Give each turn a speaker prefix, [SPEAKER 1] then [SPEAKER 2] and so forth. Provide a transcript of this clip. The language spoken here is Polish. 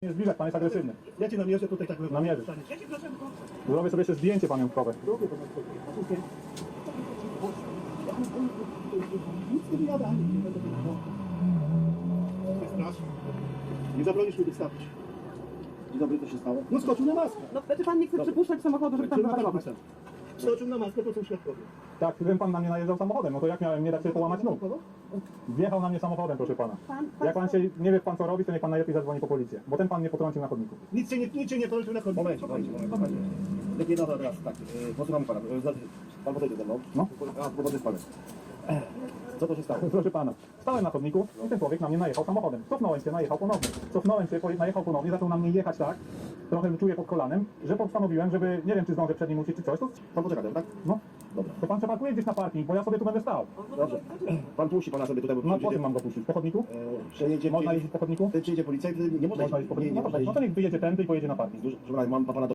[SPEAKER 1] Nie zbliżać, pan jest agresywny.
[SPEAKER 2] Ja cię namierzę tutaj tak
[SPEAKER 1] Namierzysz.
[SPEAKER 2] Ja cię proszę,
[SPEAKER 1] Zrobię sobie jeszcze zdjęcie pamiątkowe.
[SPEAKER 2] Robię to na spokojnie. Nic nie wyjada. Strasz. Nie zabronisz mi wystawić.
[SPEAKER 3] Dzień dobry, co się stało?
[SPEAKER 2] No skoczył na maskę.
[SPEAKER 4] No znaczy pan nie chce przypuszczać samochodu, żeby tam zaparkować.
[SPEAKER 2] Skoczył na maskę, to są świadkowie.
[SPEAKER 1] Tak, gdybym pan na mnie najeżdżał samochodem, no to jak miałem nie dać sobie połamać nóg? Wjechał na mnie samochodem, proszę pana. Jak pan się nie wie pan co robi, to niech pan najlepiej zadzwoni po policję. Bo ten pan mnie potrącił na chodniku.
[SPEAKER 2] Nic cię nie polecł na chodnik.
[SPEAKER 3] Moment. Takie no teraz, tak, posłuchamy pana. Pan podejdzie ze mną.
[SPEAKER 1] No.
[SPEAKER 3] A, powody z panem. Co to się stało?
[SPEAKER 1] Proszę pana, stałem na chodniku i ten człowiek na mnie najechał samochodem. Cofnąłem się, najechał ponownie. Cofnąłem się, najechał ponownie, zaczął na mnie jechać tak, trochę czuję pod kolanem, że postanowiłem, żeby, nie wiem czy zdążę przed nim uciec czy coś, to
[SPEAKER 3] Pan poczeka, tak?
[SPEAKER 1] no,
[SPEAKER 3] Dobra.
[SPEAKER 1] to pan przeparkuje gdzieś na parking, bo ja sobie tu będę stał.
[SPEAKER 3] Dobrze. Pan puści pana sobie tutaj, bo
[SPEAKER 1] No po czym mam go puścić? Po chodniku?
[SPEAKER 3] przejedzie...
[SPEAKER 1] Można jeździć po chodniku?
[SPEAKER 3] Przyjedzie policja i nie można
[SPEAKER 1] Można jeździć po chodniku? No to niech wyjedzie tędy i pojedzie na parking.
[SPEAKER 3] Proszę pana, mam pana